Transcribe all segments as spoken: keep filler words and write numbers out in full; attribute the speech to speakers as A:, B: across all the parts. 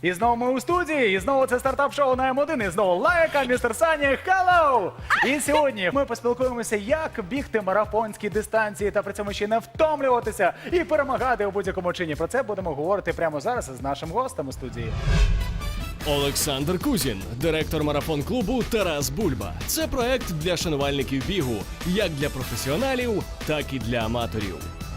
A: І знову ми у студії, і знову це стартап-шоу на М один, і знову лайка, містер Сані, hello! І сьогодні ми поспілкуємося, як бігти марафонські дистанції та при цьому ще не втомлюватися і перемагати у будь-якому чині. Про це будемо говорити прямо зараз з нашим гостем у студії.
B: Олександр Кузін, директор марафон-клубу «Тарас Бульба». Це проект для шанувальників бігу, як для професіоналів, так і для аматорів.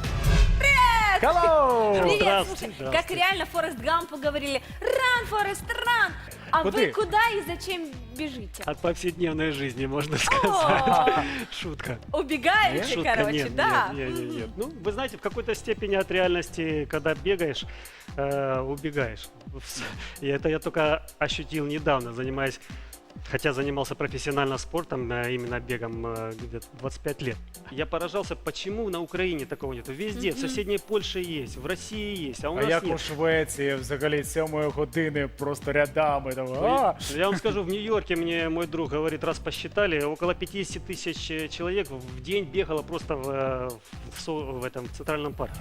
A: Hello!
C: Привет, слушай, как реально Форест Гампу говорили, run, Форест, run! А
A: Куда?
C: вы куда и зачем бежите?
D: От повседневной жизни, можно сказать. Шутка.
C: Убегаете,
D: Шутка,
C: короче,
D: нет,
C: да?
D: Нет, нет, нет, нет. Ну, вы знаете, в какой-то степени от реальности, когда бегаешь, э, убегаешь. И это я только ощутил недавно, занимаясь, хотя занимался профессионально спортом, э, именно бегом, э, где-то двадцать пять лет. Я поражался, почему на Украине такого нету. Везде, в соседней Польше есть, в России есть, а у
A: А
D: нас
A: як у
D: нет.
A: Швеції взагалі сьомої години просто рядами там. А!
D: Я вам скажу, в Нью-Йорке мне мой друг говорит, раз посчитали, около пятьдесят тысяч человек в день бегало просто в, э, в, со- в этом центральном парке.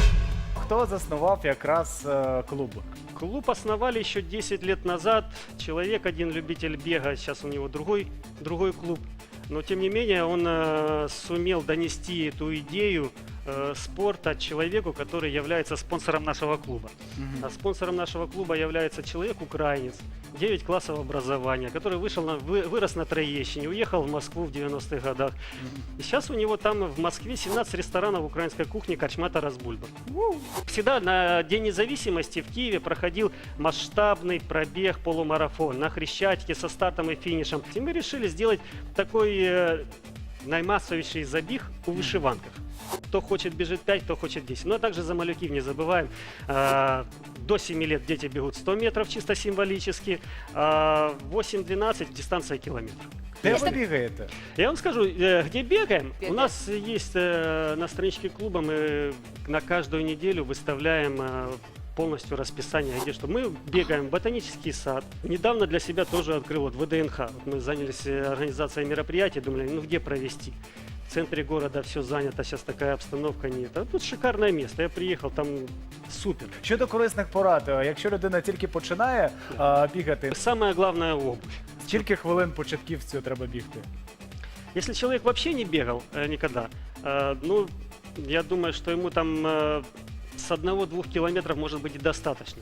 A: Хто заснував якраз е, клуб?
D: Клуб основали еще десять лет назад. Человек, один любитель бега, сейчас у него другой, другой клуб. Но тем не менее он э, сумел донести эту идею э, спорта человеку, который является спонсором нашего клуба. А спонсором нашего клуба является человек-украинец, девять классов образования, который вышел на, вы, вырос на Троещине, уехал в Москву в девяностых годах. И сейчас у него там в Москве семнадцать ресторанов украинской кухни «Корчма Тарас Бульба». Всегда на День независимости в Киеве проходил масштабный пробег полумарафон на Хрещатике со стартом и финишем. И мы решили сделать такой э, наймассовейший забег у вышиванках. Кто хочет бежит пять, кто хочет десять. Но также за малюків не забываем. Э, до семи лет дети бегут сто метров чисто символически, а восемь-двенадцать дистанция километр.
A: Де ви бігаєте?
D: Я вам скажу, э, где бегаем.
C: Бегаем.
D: У нас есть э, на страничке клуба, мы на каждую неделю выставляем э, полностью расписание, где что. Мы бегаем в ботанический сад. Недавно для себя тоже открыл вот вэ дэ эн ха. Вот мы занялись э, организацией мероприятий, думали, ну где провести. В центре города все занято, сейчас такая обстановка нет. А тут шикарное место. Я приехал, там супер.
A: Щодо корисних порад, е, якщо людина тільки починає е, бігати,
D: Самое главное обувь.
A: скільки хвилин початківцю треба бігти?
D: Если человек вообще не бегал э, никогда, э, ну, я думаю, что ему там э, с одного-двух километров может быть и достаточно.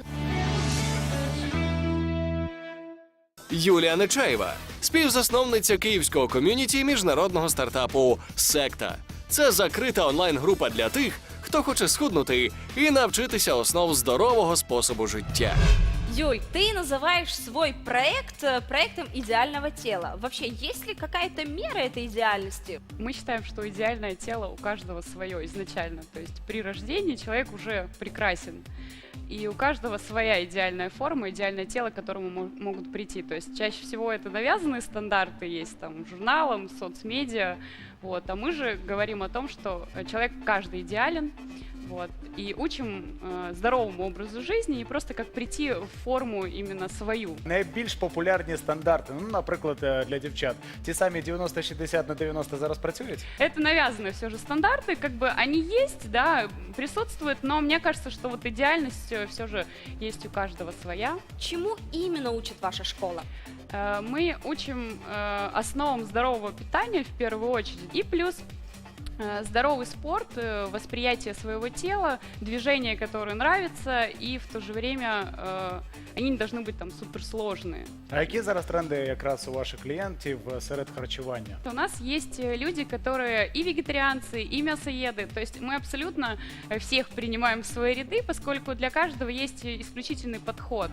B: Юлія Нечаєва, співзасновниця київського ком'юніті міжнародного стартапу «Секта». Це закрита онлайн-група для тих, хто хоче схуднути і навчитися основ здорового способу життя.
C: Юль, ты называешь свой проект э, проектом идеального тела. Вообще, есть ли какая-то мера этой идеальности?
E: Мы считаем, что идеальное тело у каждого свое изначально. То есть при рождении человек уже прекрасен. И у каждого своя идеальная форма, идеальное тело, к которому мо- могут прийти. То есть чаще всего это навязанные стандарты есть там журналам, соцмедиа. Вот. А мы же говорим о том, что э, человек каждый идеален. Вот. И учим э, здоровому образу жизни и просто как прийти в форму именно свою.
A: Найбільш популярні стандарти, ну, наприклад, е, для дівчат. Ті самі дев'яносто шістдесят на дев'яносто зараз працюють?
E: Это навязанные все же стандарты, как бы они есть, да, присутствуют, но мне кажется, что вот идеальность все же есть у каждого своя.
C: Чему именно учит ваша школа?
E: Э, Мы учим э, основам здорового питания в первую очередь, и плюс э, здоровый спорт, э, восприятие своего тела, движения, которые нравятся, и в то же время э, они не должны быть там суперсложные.
A: А які зараз тренди якраз у ваших клієнтів е, серед харчування?
E: У нас есть э, люди, которые и вегетарианцы, и мясоеды. То есть мы абсолютно э, всех принимаем в свои ряды, поскольку для каждого есть э, исключительный подход.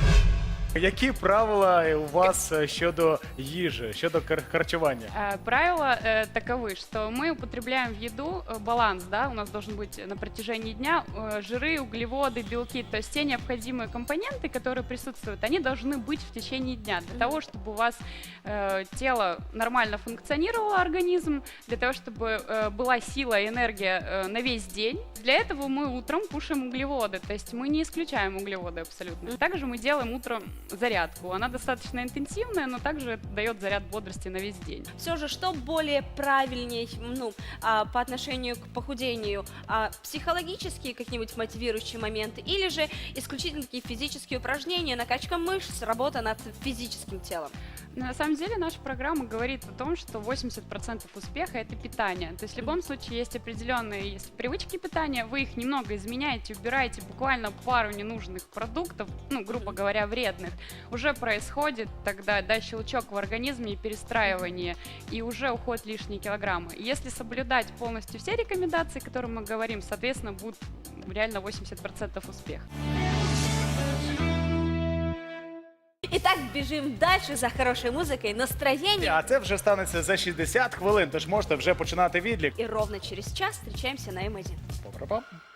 A: Які правила у вас е, щодо їжі, щодо кар- харчування?
E: Э, Правила э, таковы, что мы употребляем в еду э, баланс, да, у нас должен быть на протяжении дня э, жиры, углеводы, белки, то есть те необходимые компоненты, которые присутствуют, они должны быть в течение дня для того, чтобы у вас э, тело нормально функционировало, организм, для того, чтобы э, была сила и энергия э, на весь день. Для этого мы утром кушаем углеводы, то есть мы не исключаем углеводы абсолютно. Также мы делаем утром зарядку. Она достаточно интенсивная, но также дает заряд бодрости на весь день.
C: Все же, что более правильнее, ну, а, по отношению к похудению, а, психологические какие-нибудь мотивирующие моменты, или же исключительно такие физические упражнения, накачка мышц, работа над физическим телом?
E: Но на самом деле наша программа говорит о том, что восемьдесят процентов успеха – это питание. То есть в любом случае есть определенные есть привычки питания, вы их немного изменяете, убираете буквально пару ненужных продуктов, ну, грубо говоря, вредных, уже происходит тогда да, щелчок в организме и перестраивание, и уже уходят лишние килограммы. И если соблюдать полностью все рекомендации, о которых мы говорим, соответственно, будет реально восемьдесят процентов успеха.
C: Итак, бежим дальше за хорошей музыкой, настроением.
A: А це вже станеться за шістдесят хвилин, тож можете вже починати відлік.
C: И ровно через час встречаемся на М один.
A: Па-па-па.